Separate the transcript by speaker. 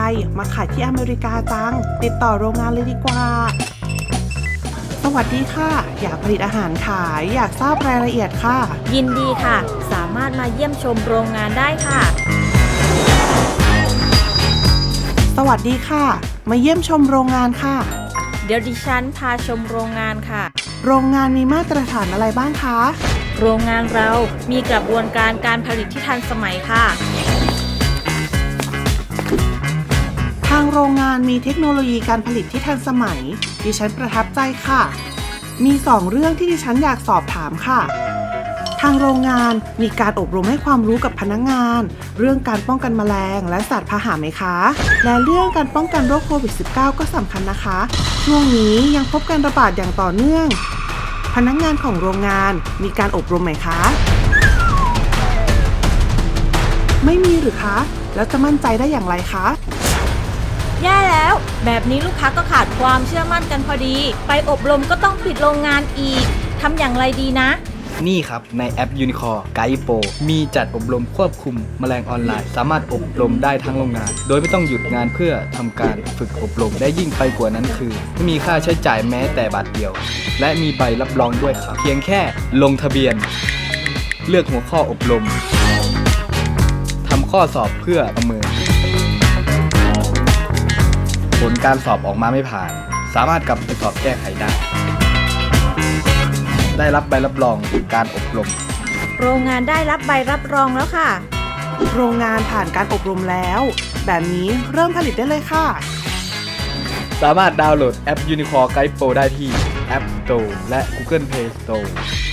Speaker 1: มาขายที่อเมริกาจังติดต่อโรงงานเลยดีกว่าสวัสดีค่ะอยากผลิตอาหารขายอยากทราบรายละเอียดค่ะ
Speaker 2: ยินดีค่ะสามารถมาเยี่ยมชมโรงงานได้ค่ะ
Speaker 1: สวัสดีค่ะมาเยี่ยมชมโรงงานค่ะ
Speaker 2: เดี๋ยวดิฉันพาชมโรงงานค่ะ
Speaker 1: โรงงานมีมาตรฐานอะไรบ้างคะ
Speaker 2: โรงงานเรามีกระบวนการการผลิตที่ทันสมัยค่ะ
Speaker 1: ทางโรงงานมีเทคโนโลยีการผลิตที่ทันสมัยดิฉันประทับใจค่ะมี2เรื่องที่ดิฉันอยากสอบถามค่ะทางโรงงานมีการอบรมให้ความรู้กับพนักงานเรื่องการป้องกันแมลงและสัตว์พาหะไหมคะและเรื่องการป้องกันโรคโควิด -19 ก็สำคัญนะคะช่วงนี้ยังพบการระบาดอย่างต่อเนื่องพนักงานของโรงงานมีการอบรมไหมคะไม่มีหรือคะแล้วจะมั่นใจได้อย่างไรคะ
Speaker 2: แย่แล้วแบบนี้ลูกค้าก็ขาดความเชื่อมั่นกันพอดีไปอบรมก็ต้องปิดโรงงานอีกทำอย่างไรดีนะ
Speaker 3: นี่ครับในแอป Unicore Guide Pro มีจัดอบรมควบคุมแมลงออนไลน์สามารถอบรมได้ทั้งโรงงานโดยไม่ต้องหยุดงานเพื่อทำการฝึกอบรมได้ยิ่งไปกว่านั้นคือไม่มีค่าใช้จ่ายแม้แต่บาทเดียวและมีใบรับรองด้วยครับเพียงแค่ลงทะเบียนเลือกหัวข้ออบรมทำข้อสอบเพื่อประเมินผลการสอบออกมาไม่ผ่านสามารถกลับไปสอบแก้ไขได้รับใบรับรองการอบรม
Speaker 2: โรงงานได้รับใบรับรองแล้วค่ะ
Speaker 1: โรงงานผ่านการอบรมแล้วแบบนี้เริ่มผลิตได้เลยค่ะ
Speaker 3: สามารถดาวน์โหลดแอป Unicore Guide Pro ได้ที่ App Store และ Google Play Store